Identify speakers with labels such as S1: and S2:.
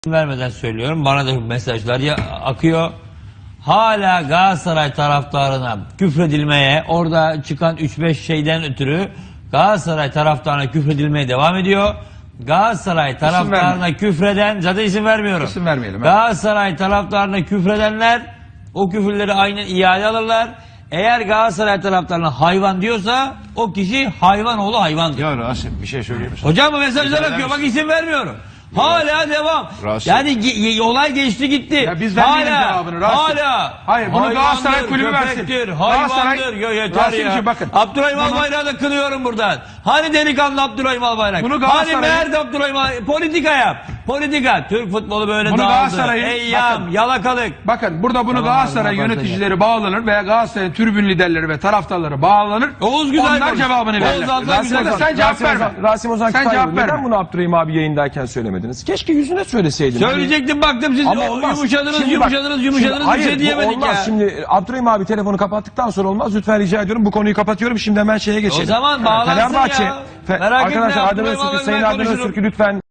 S1: vermeden söylüyorum. Bana da mesajlar akıyor. Hala Galatasaray taraftarına küfredilmeye, orada çıkan 3-5 şeyden ötürü Galatasaray taraftarına küfredilmeye devam ediyor. Galatasaray taraftarına küfreden, zaten isim vermiyorum.
S2: İsim vermeyelim.
S1: Galatasaray taraftarına küfredenler o küfürleri aynen iade alırlar. Eğer Galatasaray taraftarına hayvan diyorsa o kişi hayvanoğlu hayvandır.
S2: Ya Rasim bir şey söyleyeyim mi?
S1: Hocam bu mesajlar akıyor. Bak isim vermiyorum. Hala devam.
S2: Rasim.
S1: Yani olay geçti gitti.
S2: Ya biz vermeyelim cevabını Rasim.
S1: Hala.
S2: Hayır, bunu Galatasaray kulübü versin.
S1: Köpektir,
S2: Galatasaray-
S1: hayvandır. Yeter
S2: Rasimciğim
S1: ya.
S2: bakın.
S1: Abdurrahim Albayrak'ı da kınıyorum buradan. Hani delikanlı Abdurrahim Albayrak?
S2: Bunu
S1: Hani
S2: Galatasaray'ın-
S1: nerede Abdurrahim Albayrak? Politika yap. Politika. Türk futbolu böyle
S2: Bunu
S1: dağıldı.
S2: Galatasaray'ın-
S1: Eyyam,
S2: bakın.
S1: yalakalık.
S2: Bakın burada bunu
S1: Tamam,
S2: Galatasaray
S1: tamam,
S2: yöneticileri bağlanır veya Galatasaray tribün liderleri ve taraftarları bağlanır.
S1: Oğuz güzel
S2: Onlar
S1: konuş.
S2: cevabını
S1: Oğuz
S2: verirler.
S1: Altan
S2: Rasim
S1: güzel
S2: Ozan,
S1: konuş.
S2: sen cevap verme.
S3: Rasim Ozan
S2: Sen
S3: Kütahyalı,
S2: cevap
S3: neden
S2: verme.
S3: bunu Abdurrahim abi yayındayken söylemediniz? Keşke yüzüne söyleseydin.
S1: Söyleyecektim, baktım siz
S3: Ama olmaz.
S1: yumuşadınız,
S3: Şimdi bak,
S1: yumuşadınız,
S3: hayır,
S1: bir şey
S3: bu
S1: diyemedik
S3: olmaz.
S1: ya.
S3: Şimdi Abdurrahim abi telefonu kapattıktan sonra olmaz. Lütfen rica ediyorum, bu konuyu kapatıyorum. Şimdi hemen şeye geçelim.
S1: O zaman bağlansın
S3: Fenerbahçe.
S1: ya. Merak etme,
S3: Arkadaşlar Adem
S1: Abdurrahim
S3: Öztürk'ü,
S1: abi,
S3: Sayın
S1: ben
S3: Adem
S1: konuşurum.
S3: Öztürk'ü lütfen